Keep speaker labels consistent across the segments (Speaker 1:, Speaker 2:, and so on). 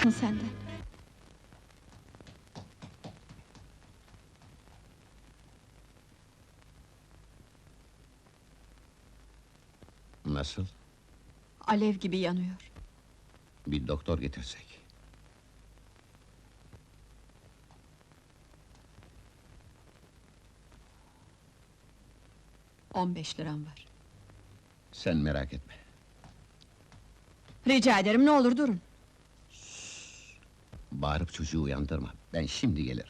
Speaker 1: senden.
Speaker 2: Nasıl?
Speaker 1: Alev gibi yanıyor.
Speaker 2: Bir doktor getirsek.
Speaker 1: 15 liram var.
Speaker 2: Sen merak etme.
Speaker 1: Rica ederim, ne olur durun.
Speaker 2: Bağırıp çocuğu uyandırma. Ben şimdi gelirim.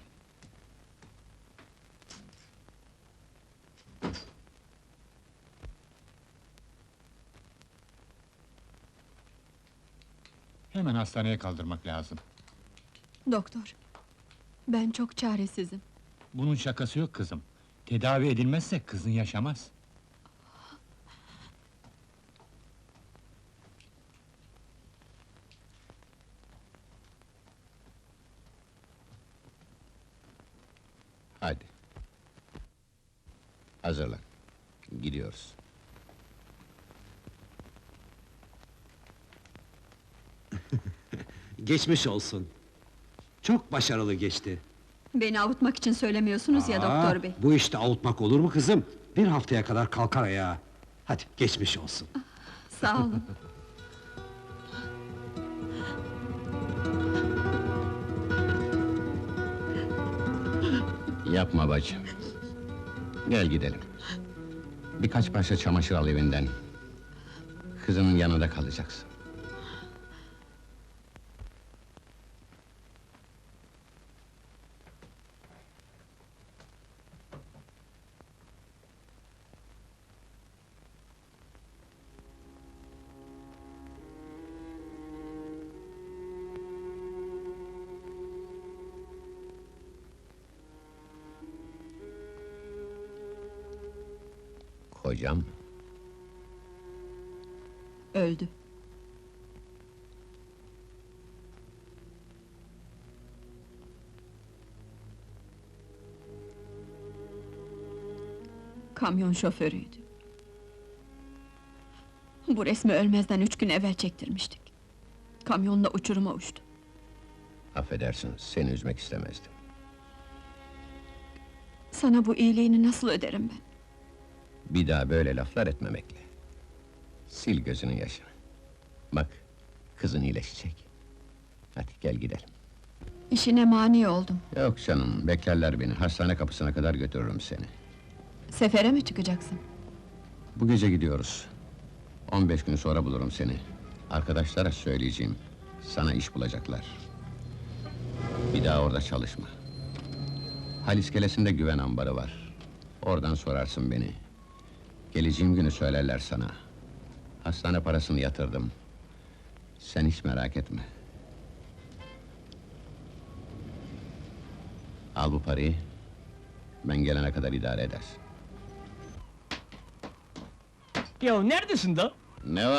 Speaker 3: Hemen hastaneye kaldırmak lazım.
Speaker 1: Doktor, ben çok çaresizim.
Speaker 3: Bunun şakası yok kızım. Tedavi edilmezse kızın yaşamaz.
Speaker 2: Hadi. Hazırlan. Gidiyoruz.
Speaker 4: Geçmiş olsun. Çok başarılı geçti.
Speaker 1: Beni avutmak için söylemiyorsunuz ya doktor bey.
Speaker 4: Bu işte avutmak olur mu kızım? Bir haftaya kadar kalkar ayağa. Hadi geçmiş olsun.
Speaker 1: Sağ olun.
Speaker 2: Yapma bacım. Gel gidelim. Birkaç parça çamaşır al evinden. Kızının yanında kalacaksın. Kocam,
Speaker 1: Öldü. Kamyon şoförüydü. Bu resmi ölmezden 3 gün evvel çektirmiştik. Kamyonla uçuruma uçtu.
Speaker 2: affedersin, seni üzmek istemezdim.
Speaker 1: Sana bu iyiliğini nasıl öderim ben?
Speaker 2: Bir daha böyle laflar etmemekle. Sil gözünün yaşını. Bak, kızın iyileşecek. Hadi gel gidelim.
Speaker 1: İşine mani oldum.
Speaker 2: Yok canım, beklerler beni. Hastane kapısına kadar götürürüm seni.
Speaker 1: Sefere mi çıkacaksın?
Speaker 2: Bu gece gidiyoruz. 15 gün sonra bulurum seni. Arkadaşlara söyleyeceğim. Sana iş bulacaklar. Bir daha orada çalışma. Hal iskelesinde güven ambarı var. Oradan sorarsın beni. Geleceğim günü söylerler sana. Hastane parasını yatırdım. Sen hiç merak etme. Al bu parayı. Ben gelene kadar idare edersin.
Speaker 5: Ya neredesin da?
Speaker 2: Ne var?